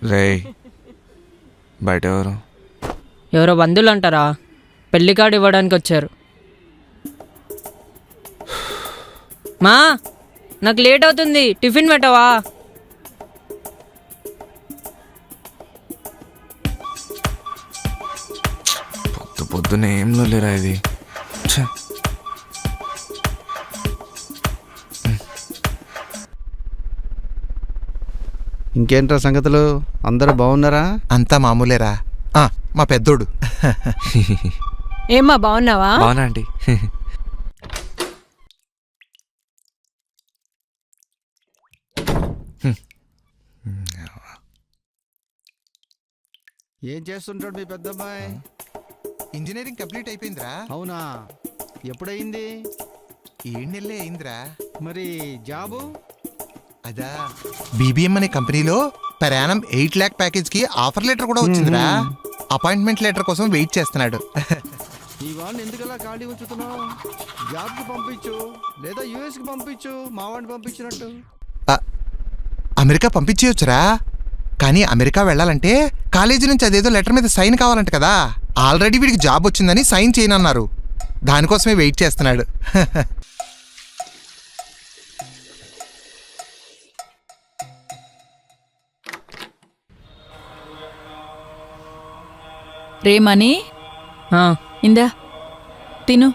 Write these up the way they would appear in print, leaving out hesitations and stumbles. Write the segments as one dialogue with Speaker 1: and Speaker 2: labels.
Speaker 1: రే బయట
Speaker 2: ఎవరో బంధువులు అంటారా, పెళ్లి కార్డు ఇవ్వడానికి వచ్చారు. మా నాకు లేట్ అవుతుంది, టిఫిన్ పెట్టవా?
Speaker 1: పొద్దున్న ఏం లేరా ఇది.
Speaker 3: ఇంకేంట్రా సంగతులు, అందరూ బాగున్నారా?
Speaker 4: అంతా మామూలేరా. మా పెద్దోడు.
Speaker 5: ఏమ్మా బాగున్నావా?
Speaker 1: బాగున్నా ఆంటీ.
Speaker 3: ఏం చేస్తుంటాడు మీ పెద్దమ్మాయి?
Speaker 4: ఇంజనీరింగ్ కంప్లీట్ అయిపోయిందిరా.
Speaker 3: అవునా, ఎప్పుడయింది?
Speaker 4: 7 నెలలే అయిందిరా.
Speaker 3: మరి జాబు?
Speaker 4: అదా బీబీఎం అనే కంపెనీలో per annum 8 lakh ప్యాకేజ్ కి ఆఫర్ లెటర్ కూడా వచ్చిందిరా. అపాయింట్మెంట్ లెటర్ కోసం వెయిట్ చేస్తున్నాడు.
Speaker 3: ఈ వాడిని ఎందుకలా ఖాళీ ఉంచుతున్నావు? జాబ్కి పంపించు, లేదా యూఎస్కి పంపించు, మా వాడిని పంపించినట్టు.
Speaker 4: అమెరికా పంపించేయొచ్చురా, కానీ అమెరికా వెళ్ళాలంటే కాలేజీ నుంచి అదేదో లెటర్ మీద సైన్ కావాలంట కదా. ఆల్రెడీ వీడికి జాబ్ వచ్చిందని సైన్ చేయనన్నారు, దానికోసమే వెయిట్ చేస్తున్నాడు.
Speaker 5: రేమని
Speaker 2: ఆ,
Speaker 5: ఇందా తిను.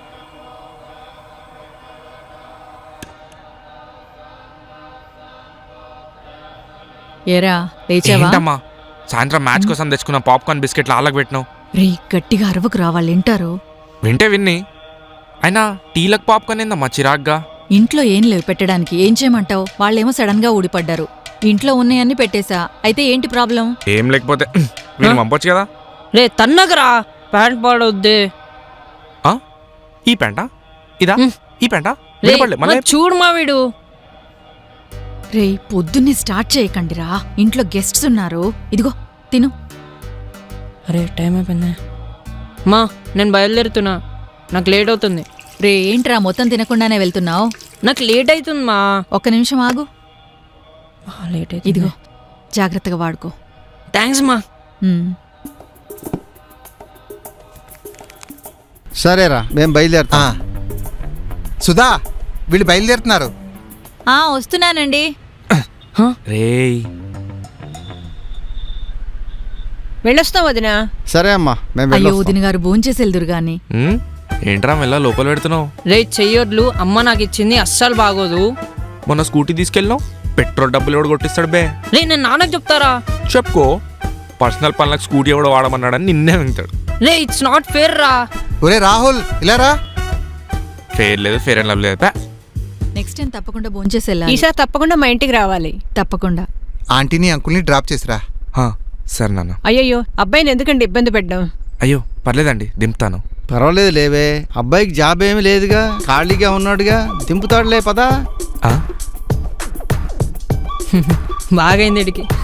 Speaker 5: ఏరా లేచావా?
Speaker 1: ఏంటమ్మా సాయంత్రం మ్యాచ్ కోసం తెచ్చుకున్న పాప్కార్న్ బిస్కెట్లు ఆళ్ళకి పెట్టినావు.
Speaker 5: రే గట్టిగా అరవకు రా, వాళ్ళు వింటారు.
Speaker 1: వింటే విన్ని, అయినా టీలకు పాప్కార్న్ ఏందమ్మా చిరాగ్గా?
Speaker 5: ఇంట్లో ఏం లేవు పెట్టడానికి, ఏం చేయమంటావు? వాళ్ళేమో సడన్ గా ఊడిపడ్డారు. ఇంట్లో ఉన్నాయన్నీ పెట్టేశా, అయితే ఏంటి ప్రాబ్లం?
Speaker 1: ఏం లేకపోతే వీళ్ళు పంపొచ్చు కదా.
Speaker 2: రే తన్నగరా, ప్యాంట్ పాడవద్దే.
Speaker 1: ఈ పెంట ఇదా? ఈ పెంట
Speaker 2: రే, మరి చూడు మా వీడు.
Speaker 5: రే పొద్దున్నే స్టార్ట్ చేయకండిరా, ఇంట్లో గెస్ట్స్ ఉన్నారు. ఇదిగో తిను.
Speaker 2: అరే టైం అయిపోయింది మా, నేను బయలుదేరుతున్నా, నాకు లేట్ అవుతుంది.
Speaker 5: రే ఏంట్రా మొత్తం తినకుండానే వెళ్తున్నావు?
Speaker 2: నాకు లేట్ అవుతుంది మా.
Speaker 5: ఒక్క నిమిషం ఆగు.
Speaker 2: లేట్ అవుతుంది.
Speaker 5: ఇదిగో జాగ్రత్తగా వాడుకో.
Speaker 2: థ్యాంక్స్ మా.
Speaker 3: సరేరా, మేము బయలుదేరుతాం.
Speaker 4: సుధా, వీళ్ళు బయలుదేరుతున్నారు.
Speaker 5: వస్తున్నానండి.
Speaker 1: రేయ్
Speaker 5: వెళ్ళొస్తాం వదినా.
Speaker 3: సరే అమ్మా, మేము
Speaker 5: అయ్యో
Speaker 3: వెళ్ళొస్తాం.
Speaker 5: వదిన గారు భోంచేసి వెళ్దురు గాని.
Speaker 1: ఏంట్రా మెల్ల లోపల పెడుతున్నావు?
Speaker 2: రే చెయ్యొడ్లు అమ్మ నాకు ఇచ్చింది, అస్సలు బాగోదు.
Speaker 1: మొన్న స్కూటీ తీసుకెళ్ళినావు, పెట్రోల్ డబ్బులు ఎవడు కొట్టిస్తాడు బే?
Speaker 2: రే నేను నాన్నకు చెప్తారా?
Speaker 1: చెప్పుకో, పర్సనల్ పనులకు స్కూటీ ఎవడో వాడమన్నాడని నిన్నే వింటాడు.
Speaker 2: రే ఇట్స్ నాట్ ఫేర్ రా.
Speaker 4: ఒరే రాహుల్, ఇలా రా.
Speaker 1: ఫేర్ లేదు, ఫేర్ అండ్ లవ్ లేదు.
Speaker 5: నెక్స్ట్ టైం తప్పకుండా భోంచేసి వెళ్ళాలి.
Speaker 6: ఈసారి తప్పకుండా మా ఇంటికి రావాలి.
Speaker 5: తప్పకుండా.
Speaker 4: ఆంటీని అంకుల్ని డ్రాప్ చేసిరా.
Speaker 1: సరే నాన్న.
Speaker 6: అయ్యయ్యో అబ్బాయిని ఎందుకండి ఇబ్బంది పెట్టడం?
Speaker 1: అయ్యో పర్లేదండి, దింపుతాను.
Speaker 3: పర్వాలేదు లేవే, అబ్బాయికి జాబ్ ఏమీ లేదుగా, ఖాళీగా ఉన్నాడుగా, దింపుతాడులే పదా.
Speaker 2: బాగైంది ఇడికి.